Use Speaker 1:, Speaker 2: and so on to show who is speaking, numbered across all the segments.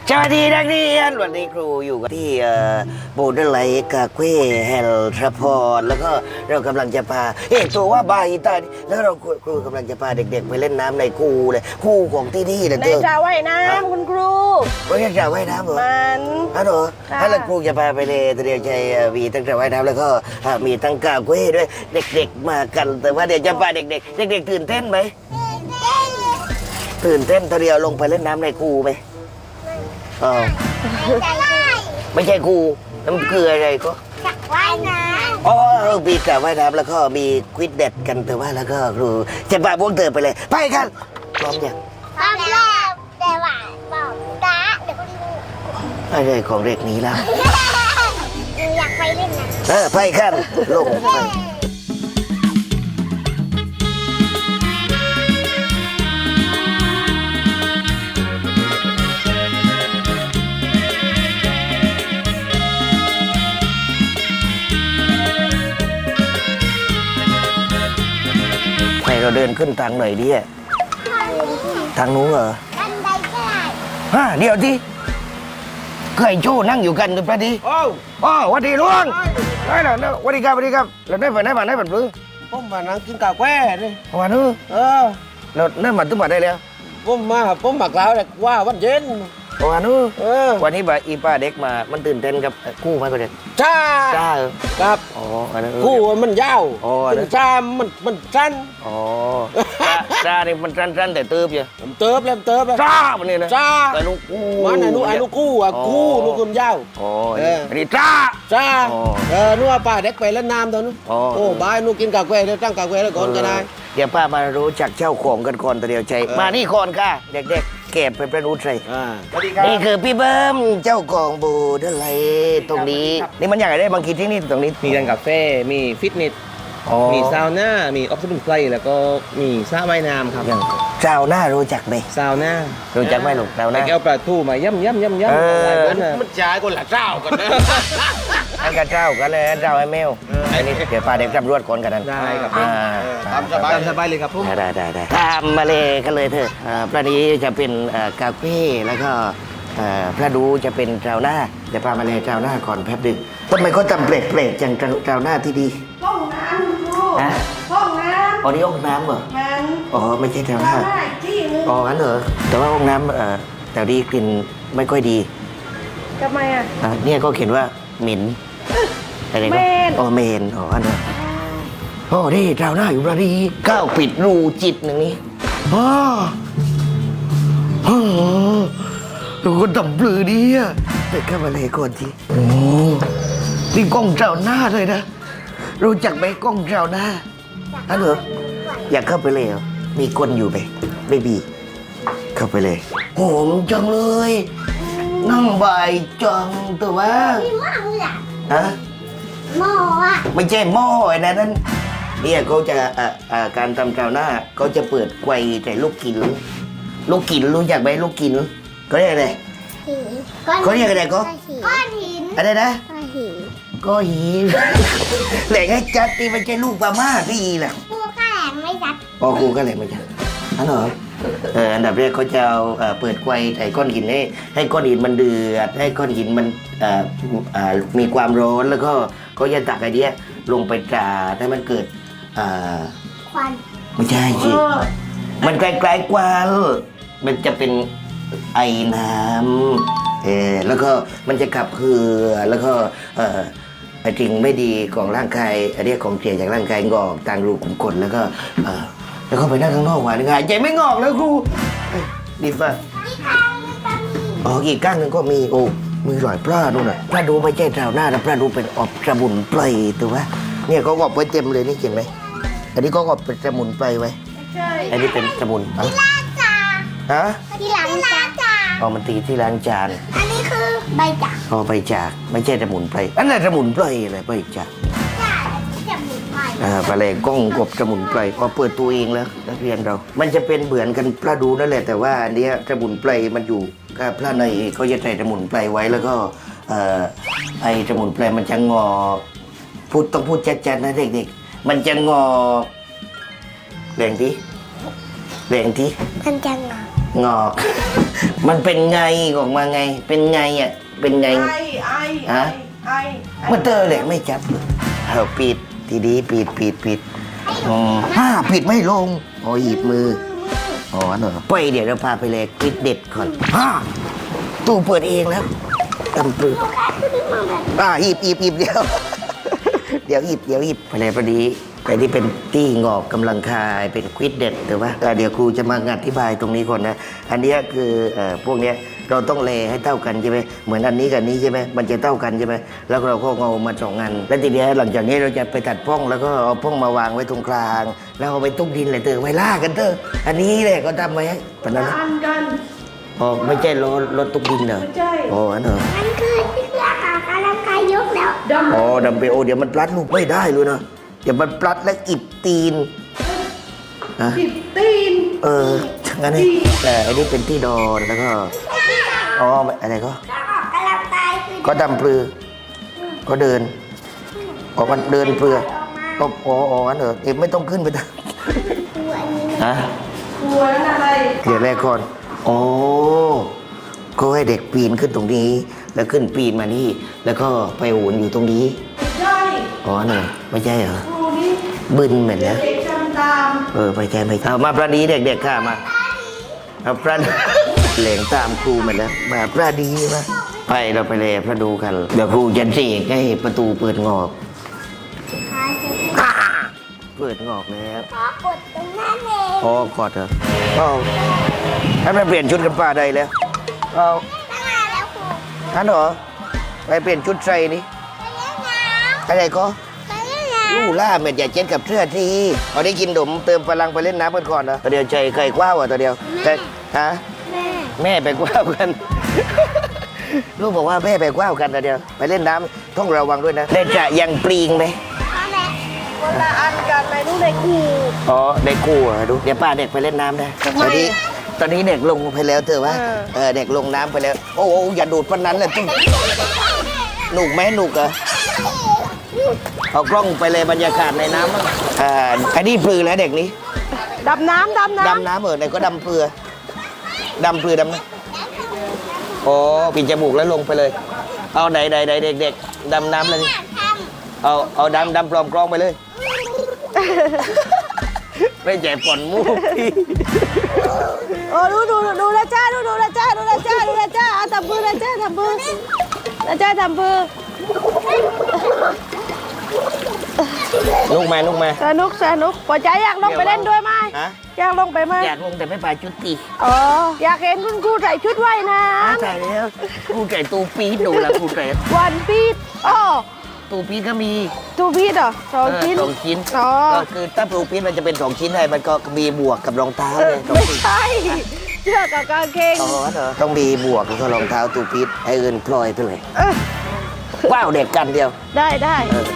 Speaker 1: สวัสดีนักเรียนวันนี้ครูอยู่กันที่โบเดอร์ไลท์กาเควเฮลทรพอร์ตแล้วก็เรากำลังจะพาตัวว่าบาฮิตาแล้วเราครูกำลังจะพาเด็กๆไปเล่นน้ำในคูเลยคูของที่นี่นะ
Speaker 2: ในสระว่ายน้ำคุณครู
Speaker 1: ไม่ใช่สระว่ายน้ำเหรอ
Speaker 2: มัน
Speaker 1: ฮัลโหลถ้าเราครูจะพาไปเลยเดี๋ยวจะมีทั้งสระว่ายน้ำแล้วก็มีทั้งกาเควด้วยเด็กๆมากันแต่ว่าเดี๋ยวจะพาเด็กๆตื่นเต้นไหมตื่นเต้นตอนเดียวลงไปเล่นน้ำในคูไหมอ๋อไม่ใช่ครูน้ำเกลืออะไรก็
Speaker 3: สระว่ายน้ำ
Speaker 1: อ๋อมีสระว่ายน้ำแล้วก็มีควิดเด็ดกันแต่ว่าแล้วก็ครูจะพาพวกเธอไปเลยไปกันพร้อมยัง
Speaker 3: พร้อมแล้วแต่ว่าบอกตาเดี๋ยวก็รู้
Speaker 1: อะไรของเด็กนี้แล้ว
Speaker 3: อยากไปเล่นนะ
Speaker 1: ไปกันลงไปเราเดินขึ้นทางไหนดีอะทางนู้นเหรอ
Speaker 3: บันไดก็ได้
Speaker 1: เดี๋ยวที่เคยโจ้นั่งอยู่กันหรือเปล่าดิ
Speaker 4: โอ้
Speaker 1: วันดีลุงได้แล้ววันดีครับเราได้แบบนี้
Speaker 4: ผมมานั่งกินกาแฟนี่
Speaker 1: วันนู้เราได้มาตุ้มมาได้แล้ว
Speaker 4: ผมมากล่าวเลยว่าวันเย็น
Speaker 1: วันนู้วันนี้อีป้าเด็กมามันตื่นเต้นกับกู้ไหมก็เด็ก
Speaker 4: จ้าครับกู้มันยาวจ้ามันสั้น
Speaker 1: จ้าเนี่ยมันสั้นแต่เติบอยู่
Speaker 4: เติบ
Speaker 1: จ้ามันนี่นะ
Speaker 4: จ้า
Speaker 1: ไอ้ลูกกู้
Speaker 4: มันไอ้ลูกกู้ลูกคุณยาว
Speaker 1: อันนี้จ้า
Speaker 4: นัวป้าเด็กไปเล่นน้ำตอนนู้นโอ้บ้านนู้กินกาแฟแล้วตั้งกาแฟแล้วก่อนก็ได้
Speaker 1: เดี๋ยวป้ามารู้จักเจ้าของกันก่อนแต่เดียวใจมานี่ก่อนค่ะเด็กๆเก็บเป็นประนุษย์เลยนี่คือพี่เบิ้มเจ้าของบูดอะไรตรงนี้นี่มันอย่างไรได้บางทีที่นี่ตรงนี้
Speaker 4: มีร้านกาแฟมีฟิตเนสมีซาวน่ามีออฟฟิศไพลแล้วก็มีสระว่ายน้ำครับ
Speaker 1: ซาวน่ารู้จักไหม
Speaker 4: ซาวน่า
Speaker 1: รู้จักไหมลูกซาวน่า
Speaker 4: แก้วปลาทูมาย่ำมันจ่ายคนละเจ้ากันนะ
Speaker 1: ให้กับเจ้ากันเลยเจ้าไอ้แมวอันนี้เดี๋ยวพาเด็กตำรวจก่อนกันนั้น
Speaker 4: ได้ครับตามสบายเลยครับผม
Speaker 1: ได้ตามมาเลยกันเลยเถอะพระนี้จะเป็นกาแฟแล้วก็พระดูจะเป็นซาวน่าเดี๋ยวพามาเลยซาวน่าก่อนแป๊บนึงทำไมเขาทำเปรตอย่างซาวน่าที่ดี
Speaker 2: ห้องน้ำคุณครูห้องน้ำ
Speaker 1: นี่ห้องน้ำเหรอไม่ใช่ซาวน่างั้นเหรอแต่ว่าห้องน้ำแต่ดีกลิ่นไม่ค่อยดี
Speaker 2: ทำไม
Speaker 1: เนี่ยก็เขียนว่าเหม็นอะไรก็เมนอันนั้นนี่ซาวน่าอยู่พระดีก้าวปิดรูจิตหนึ่งนี้ดูคนดำปลือดีอ่ะเด็กเข้ามาเลยก่อนทีนี่กล้องเจ้าหน้าเลยนะรู้จักไหมกล้องเจ้าหน้าเหรออยากเข้าไปเลยเหรอมีคนอยู่ไหมไม่มีเข้าไปเลยโหมจังเลยนั่งบ่ายจังตัวว่า
Speaker 3: มีหม้อเลยหม้อ
Speaker 1: ไม่ใช่หม้อไอ้นั่นเนี่ยเขาจะการทำเจ้าหน้าเขาจะเปิดไกวแต่ลูกกินรู้จักไหมลูกกินก็เรียกอะไรก็เรียกอะไรก็
Speaker 3: ก้อนหิน
Speaker 1: อะไรนะก้อนหินแหล่งให้จัดตีมันใช่ลูกปลาม่าที่แหละ
Speaker 3: กูก็แหลมไม่จัด
Speaker 1: กูก็แหล่งไม่จัดเหรออันดับแรกเขาจะเอาเปิดไกวใส่ก้อนหินให้ก้อนหินมันเดือดให้ก้อนหินมันมีความร้อนแล้วก็เขาจะตักไอเดียลงไปจ่าให้มันเกิด
Speaker 3: ควัน
Speaker 1: ไม่ใช่สิมันไกลๆกว่ามันจะเป็นไอ้น้ำแล้วก็มันจะขับคือแล้วก็ไอ้สิ่งไม่ดีของร่างกายอันนี้ของเสียจากร่างกายงอกทางรูขุมขนแล้วก็ไปนั่งข้างนอกหวานง่ายใจไม่งอกแล้วครูดีป่ะอีกก้างหนึ่งก็มีมือหลอยปลาดูหน่อยปลาดูไม่ใช่ชาวหน้าแต่ปลาดูเป็นอบสมุนไพรตัววะเนี่ยเขาอบไว้เต็มเลยนี่เห็นไหมอันนี้ก็อบเป็นสมุนไพรไว้อันนี้เป็นสมุน
Speaker 3: ที่ล้างจานที่ล้างจาน
Speaker 1: มันตีที่ล้างจาน
Speaker 3: อันนี้คือใบจาก
Speaker 1: ใบจากไม่ใช่สมุนไพรอันนั้นสมุนไพรอะไรใบจากปลาแหลกล้องกบสมุนไพรพอเปิดตัวเองแล้วนักเรียนเรามันจะเป็นเหมือนกันปลาดูนั่นแหละแต่ว่าอันนี้สมุนไพรมันอยู่กับปลาในเขาจะใส่สมุนไพรไว้แล้วก็ไอ้สมุนไพรมันจะงอต้องพูดชัดๆนะเด็กๆมันจะงอแรงที่
Speaker 3: มันจะงอ
Speaker 1: งอก มันเป็นไงออกมาไง เป็นไงอ่ะ เป็นไง
Speaker 2: ไอ
Speaker 1: มันเตอร์เหล็กไม่จับเอาปิดทีดีปิดปิดไม่ลงโอ้หยิบมืออ๋อเหรอไปเดี๋ยวเราพาไปเลยปิดเด็ดก่อนตู้เปิดเองแล้วตำปือหยิบเดี๋ยว เดี๋ยวหยิบไปเลยพอดีแต่ที่เป็นตี้งอกกำลังคายเป็นควิดเด็ดแต่ว่าเดี๋ยวครูจะมาอธิบายตรงนี้ก่อนนะอันนี้คือพวกเนี้ยเราต้องเลให้เท่ากันใช่ไหมเหมือนอันนี้กับนี้ใช่ไหมมันจะเท่ากันใช่ไหมแล้วเราก็เอามา2 อันแล้วทีเนี้ยหลังจากนี้เราจะไปตัดพ่องแล้วก็เอาพ่องมาวางไว้ตรงกลางแล้วเอาไปตุ้มดินเลยเตอไว้ล่ากันเตออันนี้แหละก็ทำไว้ปะนั้นนะ
Speaker 2: อันกัน
Speaker 1: อ๋อไม่ใช่รถตุ้มดินเหรอ
Speaker 2: ไม่ใช่
Speaker 1: อ๋ออันเหรอ
Speaker 3: มันคือที่เครื่องออกกำลังกายยกแล้ว
Speaker 2: ดำ
Speaker 1: อ๋อดัมเบลเดี๋ยวมันปลัดลูกไม่ได้เลยนะเดี๋ยวมันปลัดแล้วอิดตีนนะ
Speaker 2: ติดตีน
Speaker 1: งั้นนี่แต่อันนี้เป็นที่นอนแล้วก็อ๋ออะไรก็
Speaker 3: เครื่องออกกำลังกายคือ
Speaker 1: ก็ดำปลือก็เดินออกมันเดินเปลือก็อ๋องั้นเหรอเอ็มไม่ต้องขึ้นไปนะ
Speaker 3: ตัวนี้
Speaker 1: ฮะ
Speaker 2: กลัวนั่นอะไร
Speaker 1: เดี๋ยวแรกก่อนโอ้ก็ให้เด็กปีนขึ้นตรงนี้ แล้วขึ้นปีนมานี่ แล้วก็ไปโหนอยู่ตรงนี้
Speaker 2: ไม่ใช่
Speaker 1: อ๋อเหรอไม่ใช่เหรอ
Speaker 2: ครูนี่
Speaker 1: บึนเหมือนนะ
Speaker 2: เด็กจำตาม
Speaker 1: ไม่ใช่เอามาประดีเด็กๆค่ะมาเอาประดี เหลงตามครูเหมือนแล้วมาประดีมาไปเราไปเลยพระดูกันเดี๋ยวครูจะเสกให้ประตูเปิดงอก เปิดงอกแล้ว
Speaker 3: ขอกดตรงนั้นเอง
Speaker 1: อ๋อกอดเหรอเอาให้มันเปลี่ยนชุดกันป้าได้แล้วเอา
Speaker 3: ตั้งนานแล้วครู
Speaker 1: ท่านเหรอไปเปลี่ยนชุดใส่นี่
Speaker 3: ไปเล่นน้
Speaker 1: อะไรก็
Speaker 3: ำไปเล่นน้
Speaker 1: ลู่ล่าเม็ดอย่าเจ็ดกับเสื้อทีเอาได้กินดมเติมพลังไปเล่นน้ำกันก่อนนะตัวเดียวใจเคยกว้าวอ่ะตัวเดียวแต่ฮะ
Speaker 3: ำแม่
Speaker 1: แม่ไปกว้าวกัน ลูกบอกว่าแม่ไปกว้าวกันตัวเดียวไปเล่นน้ำต้องระวังด้วยนะเล่นจะยังปลีงไหม
Speaker 3: พ่อแม่
Speaker 2: คนละอันกันในนู้นในกู
Speaker 1: อ๋อเด็กกู้อ่ะดูเดี๋ยวป้าเด็กไปเล่นน้ำนะตอนนี้เด็กลงไปแล้วเธอวะเด็กลงน้ำไปแล้วโอ้อย่าดูดปนนั้นเลยจุ๊บหนุกไหมหนุกเหรอเอากล้องไปเลยบรรยากาศในน้ำมั้งอันนี้ปลือแล้วเด็กนี้
Speaker 2: ดำน้ำ
Speaker 1: ดำน้ำไหนก็ดำเปลือดำน้ำโอ้ปิดจมูกแล้วลงไปเลย เอาไหนเด็กๆดำน้ำเลย
Speaker 3: อยากท
Speaker 1: เอาดำปลอมกล้องไปเลย ไม่ใช่ป่อนมูกพี่
Speaker 2: โอ้ดูละจ้าดูละจ้าเอาทำมือละจ้าทำมือละจ้าทำมือ
Speaker 1: ลูกมา
Speaker 2: สนุกปอใจอยากลงไปเล่นด้วยไหม
Speaker 1: ฮะ
Speaker 2: อยากลงไปไหม
Speaker 1: อยากลงแต่ไม่ไปชุดตี
Speaker 2: อ๋ออยากเห็นคุณครูใส่ชุดว่ายน้
Speaker 1: ใช่แล้วกูไก่ตูปีดดูละกูไก่
Speaker 2: ำวันปีดอ๋อ
Speaker 1: ตูปีดก็มี
Speaker 2: ตูปีดเหรอ2 ชิ้น
Speaker 1: สองชิ้น
Speaker 2: อ๋อ
Speaker 1: ก็คือถ้าตูปีดมันจะเป็น2 ชิ้นให้มันก็มีบวกกับรองเท้าเลยสอง
Speaker 2: ไม่
Speaker 1: ชิ้น
Speaker 2: ใช่เสื้อกับกางเกง
Speaker 1: อ๋อเหรอต้องมีบวกแล้วก็รองเท้าตูปีดให้เอินพลอยไปเลย
Speaker 2: เออ
Speaker 1: ว้าวเด็กกันเดียว
Speaker 2: ได้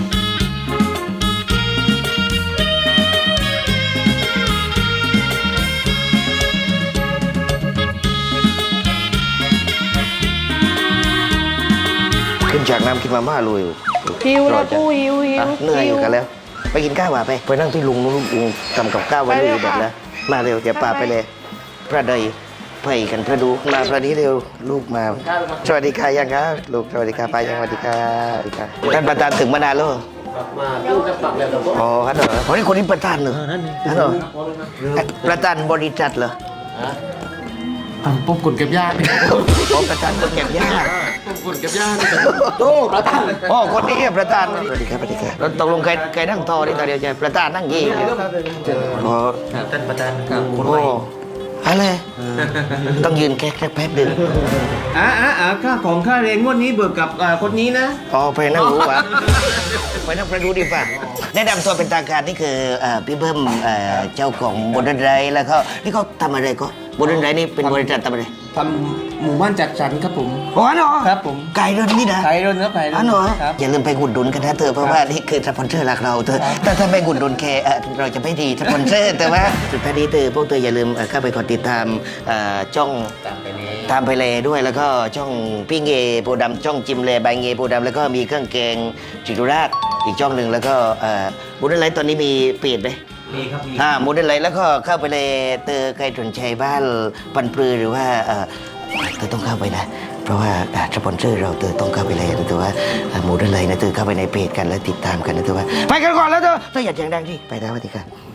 Speaker 1: ขึ้นจากน้ำกินมาม่าเลย
Speaker 2: หิวแล้วกูหิว
Speaker 1: เหนื่อยอยู่กันแล้ว ไปกินข้าวว่ะไปนั่งที่ลุงลุงทำกับข้าวไว้เลยแบบแล้วมาเร็วเดี๋ยวป่าไปเลย พระใดไปกันพระดูมาพระนี้เร็วลูกมาสวัสดีค่ะยังครับลูกสวัสดีค่ะป้ายังสวัสดีค่ะสวัสดีค่ะท่านประธานถึงมานานแล้วเหรอ
Speaker 4: มาดูจะปักแล้วครับ
Speaker 1: อ๋อฮัลโหลคนนี้ประธานเหรอฮัลโหลประธานบริษัทเหรอ
Speaker 5: ปุ๊บกดเก็บยาก
Speaker 1: อ๋อประธานคนเก็บยาก
Speaker 5: ปุ๊บกดเก็บยาก
Speaker 1: โอ้ประธานอ๋อคนนี้ประธานสวัสดีครับสวัสดีครับแล้วตกลงใครนั่งทอนี่ตาเดียวใจประธานนั่งยี่อ๋อ
Speaker 4: ท่านประธานครับ
Speaker 1: โอ้อะไรต้องยืนแค่แป๊บหนึ่ง
Speaker 4: ค่าของค่าเรียนงวดนี้เบิกกับคนนี้นะ
Speaker 1: อ๋อไปนั่งรู้วะไปนั่งประดูดีป่ะแนะนำตัวเป็นทางการนี่คือพี่เบิ้มเจ้าของบนดนไรแล้วก็นี่เขาทำอะไรก็บนดนไรนี่เป็นบริษัททำอะไร
Speaker 5: ทำหมู่บ้านจัดสรรครับผม
Speaker 1: อ๋อเหรอ
Speaker 5: ครับผม
Speaker 1: ไก่เรื่องนี้นะ
Speaker 5: ไก่รนครับไก่ร
Speaker 1: อ๋อน เหรอ
Speaker 5: ครับ
Speaker 1: อย่าลืมไปอุดหนุนกันนะเธอเพราะว่านี่คือสปอนเซอร์หลักเราเธอถ้าไม่อุดหนุนแค่เราจะไม่ดีสปอนเซอร์แต่ว่าสุดท้ายนี้เธอพวกเธออย่าลืมเข้าไปกดติดตามช่อง ตามไปเลยด้วยแล้วก็ช่องพี่เงโพดำช่องจิมเลบายเงโพดำแล้วก็มีเครื่องแกงจิตุราชอีกช่องหนึ่งแล้วก็บุญอะไรตอนนี้มีเพจไหม
Speaker 4: มีครับมี
Speaker 1: หมูได้เลยแล้วก็เข้าไปเลยเตอใครสนใจบ้านปันปลือหรือว่าเตอต้องเข้าไปนะ เพราะว่าสปอนเซอร์เราเตอต้องเข้าไปเลยนะเตอว่าหมูได้เลยนะเตอเข้าไปในเพจกันแล้วติดตามกันนะเตอว่าไปกันก่อนแล้วเตออย่าเสียงดังที่ไปแล้วสวัสดีครับ